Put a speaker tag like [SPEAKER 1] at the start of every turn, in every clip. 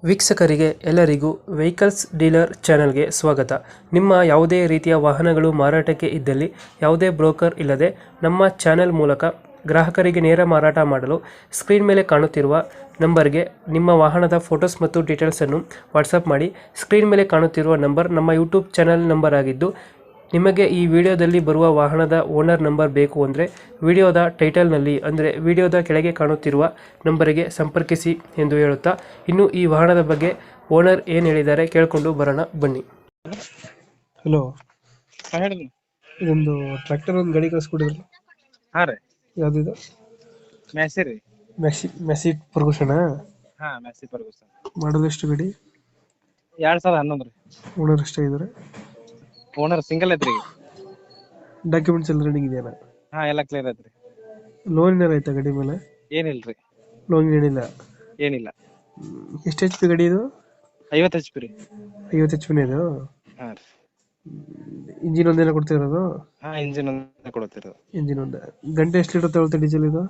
[SPEAKER 1] ವೀಕ್ಷಕರಿಗೆ ಎಲ್ಲರಿಗೂ vehicles dealer ಚಾನೆಲ್ಗೆ ಸ್ವಾಗತ. ನಿಮ್ಮ ಯಾವುದೇ ರೀತಿಯ ವಾಹನಗಳು ಮಾರಾಟಕ್ಕೆ ಇದ್ದಲ್ಲಿ ಯಾವುದೇ ಬ್ರೋಕರ್ ಇಲ್ಲದೆ ನಮ್ಮ ಚಾನೆಲ್ ಮೂಲಕ ಗ್ರಾಹಕರಿಗೆ ನೇರ ಮಾರಾಟ ಮಾಡಲು ಸ್ಕ್ರೀನ್ ಮೇಲೆ ಕಾಣುತ್ತಿರುವ ನಂಬರ್ಗೆ ನಿಮ್ಮ ವಾಹನದ ಫೋಟೋಸ್ ಮತ್ತು ಡೀಟೇಲ್ಸನ್ನು ವಾಟ್ಸಪ್ ಮಾಡಿ. ಸ್ಕ್ರೀನ್ ಮೇಲೆ ಕಾಣುತ್ತಿರುವ ನಂಬರ್ ನಮ್ಮ ಯೂಟ್ಯೂಬ್ ಚಾನೆಲ್ ನಂಬರ್ ಆಗಿದ್ದು, ನಿಮಗೆ ಈ ವಿಡಿಯೋದಲ್ಲಿ ಬರುವ ವಾಹನದ ಓನರ್ ನಂಬರ್ ಬೇಕು ಅಂದರೆ ವಿಡಿಯೋದ ಟೈಟಲ್ನಲ್ಲಿ ಅಂದರೆ ವಿಡಿಯೋದ ಕೆಳಗೆ ಕಾಣುತ್ತಿರುವ ನಂಬರಿಗೆ ಸಂಪರ್ಕಿಸಿ ಎಂದು ಹೇಳುತ್ತಾ, ಇನ್ನು ಈ ವಾಹನದ ಬಗ್ಗೆ ಓನರ್ ಏನು ಹೇಳಿದ್ದಾರೆ ಕೇಳಿಕೊಂಡು ಬರೋಣ ಬನ್ನಿ. ಹಲೋ,
[SPEAKER 2] ಹೇಳಿ.
[SPEAKER 1] ಇದೊಂದು ಟ್ರ್ಯಾಕ್ಟರ್ ಒಂದು ಗಾಡಿ ಕಳಿಸ್ಕೊಡಿದ್ರಲ್ಲ,
[SPEAKER 2] ಹಾ ರೀ,
[SPEAKER 1] ಯಾವುದಿದು?
[SPEAKER 2] ಮ್ಯಾಸಿ ರೀ.
[SPEAKER 1] Massey Ferguson.
[SPEAKER 2] ಹಾ, ಮ್ಯಾಸಿ ಫರ್ಗೂಸನ್.
[SPEAKER 1] ಮಾಡೋದು ಎಷ್ಟು ಗಾಡಿ?
[SPEAKER 2] 2011 ರೀ.
[SPEAKER 1] ಓನರ್ ಎಷ್ಟಾಗಿದ್ದಾರೆ?
[SPEAKER 2] ಓನರ್ ಸಿಂಗಲ್ ಐತ್ರಿ.
[SPEAKER 1] ಡಾಕ್ಯುಮೆಂಟ್ಸ್ ಎಲ್ಲ ರನ್ನಿಂಗ್ ಇದೆಯಾ?
[SPEAKER 2] ಹಾ, ಎಲ್ಲ ಕ್ಲಿಯರ್ ಐತ್ರಿ.
[SPEAKER 1] ಲೋನ್ ಏನಾರ ಆಯ್ತಾ ಗಾಡಿ ಮೇಲೆ?
[SPEAKER 2] ಏನಿಲ್ರಿ,
[SPEAKER 1] ಲೋನ್ ಏನಿಲ್ಲ.
[SPEAKER 2] ಏನಿಲ್ಲ.
[SPEAKER 1] ಎಷ್ಟು ಎಚ್ ಪಿ ಗಾಡಿ ಇದು?
[SPEAKER 2] 50 HP ರೀ.
[SPEAKER 1] 50 ಎಚ್ ಪಿನೇ ಇದು?
[SPEAKER 2] ಹಾ ರೀ.
[SPEAKER 1] ಇಂಜಿನ್ ಒಂದೇನ ಕೊಡ್ತಿರೋದು?
[SPEAKER 2] ಹಾ, ಇಂಜಿನ್ ಒಂದ್ ಕೊಡ್ತಿರೋದು.
[SPEAKER 1] ಇಂಜಿನ್ ಒಂದು ಗಂಟೆ ಎಷ್ಟು ಲೀಟರ್ ತಗೊಳುತ್ತೆ ಡೀಸೆಲ್ ಇದು?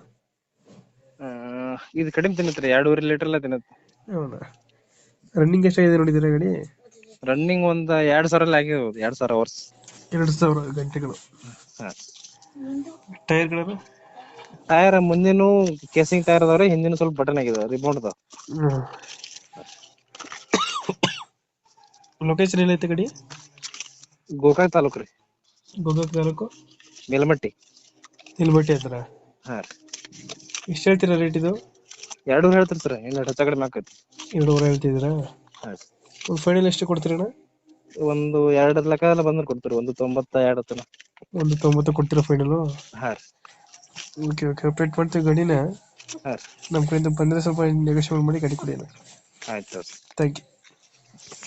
[SPEAKER 2] ಇದು ಕಡಿಮೆ ತಿನ್ನತ್ರಿ, 2.5 ಲೀಟರ್ ಎಲ್ಲ ತಿನ್ನತ್ತೆ.
[SPEAKER 1] ಹೌದಾ? ರನ್ನಿಂಗ್ ಎಷ್ಟಾಗಿದೆ ನೋಡಿದ್ದೀರಾ ಗಾಡಿ?
[SPEAKER 2] ರನ್ನಿಂಗ್ ಒಂದ್ 2000 ಅಲ್ಲಿ ಆಗಿರ್ಬೋದು, 2000 ಅವರ್ಸ್.
[SPEAKER 1] 2000 ಗಂಟೆಗಳು.
[SPEAKER 2] ಹಾ.
[SPEAKER 1] ಟೈರ್ಗಳು?
[SPEAKER 2] ಟೈರ್ ಮುಂದಿನ ಕೇಸಿಂಗ್ ಟೈರ್ ಅದಾವ್ರಿ, ಹಿಂದಿನ ಸ್ವಲ್ಪ ಬಟನ್ ಆಗಿದಾವ, ರಿಮೋಟ್ ಅದಾವ.
[SPEAKER 1] ಲೊಕೇಶನ್ ಎಲ್ಲೈತೆ ಗಾಡಿ?
[SPEAKER 2] ಗೋಕಾಕ್ ತಾಲೂಕ್ ರೀ.
[SPEAKER 1] ಗೋಕಾಕ್ ತಾಲೂಕು
[SPEAKER 2] ಮೇಲಮಟ್ಟಿ.
[SPEAKER 1] ನಿಲ್ಬಟ್ಟಿ ಹತ್ರ.
[SPEAKER 2] ಹಾ ರೀ.
[SPEAKER 1] ಎಷ್ಟು ಹೇಳ್ತೀರಾ ರೇಟ್ ಇದು?
[SPEAKER 2] 2 ಹೇಳ್ತೀರಿ ಸರ್, ಇಲ್ಲ ಹೆಚ್ಚ ಕಡಿಮೆ ಆಕೈತಿ.
[SPEAKER 1] 2.5 ಹೇಳ್ತಿದ್ದೀರಾ?
[SPEAKER 2] ಹಾ.
[SPEAKER 1] ಒಂದು ಫೈನಲ್ ಎಷ್ಟು ಕೊಡ್ತೀರಣ್ಣ?
[SPEAKER 2] ಒಂದು 2 ಲಕ್ಷ ಎಲ್ಲ ಬಂದ್ರೆ ಕೊಡ್ತೀರಿ, 1.92 ತನ.
[SPEAKER 1] 1.90 ಕೊಡ್ತೀರಾ ಫೈನಲು?
[SPEAKER 2] ಹಾ ರೀ.
[SPEAKER 1] ಓಕೆ ಓಕೆ, ಅಪ್ಡೇಟ್ ಮಾಡ್ತೀವಿ ಗಾಡಿನ.
[SPEAKER 2] ಹಾ ರೀ.
[SPEAKER 1] ನಮ್ಮ ಕಡೆಯಿಂದ ಬಂದರೆ ಸ್ವಲ್ಪ ನೆಗೋಷಿಯೇಟ್ ಮಾಡಿ ಗಾಡಿ ಕೊಡಿ ಅಣ್ಣ.
[SPEAKER 2] ಆಯ್ತು.
[SPEAKER 1] Thank you.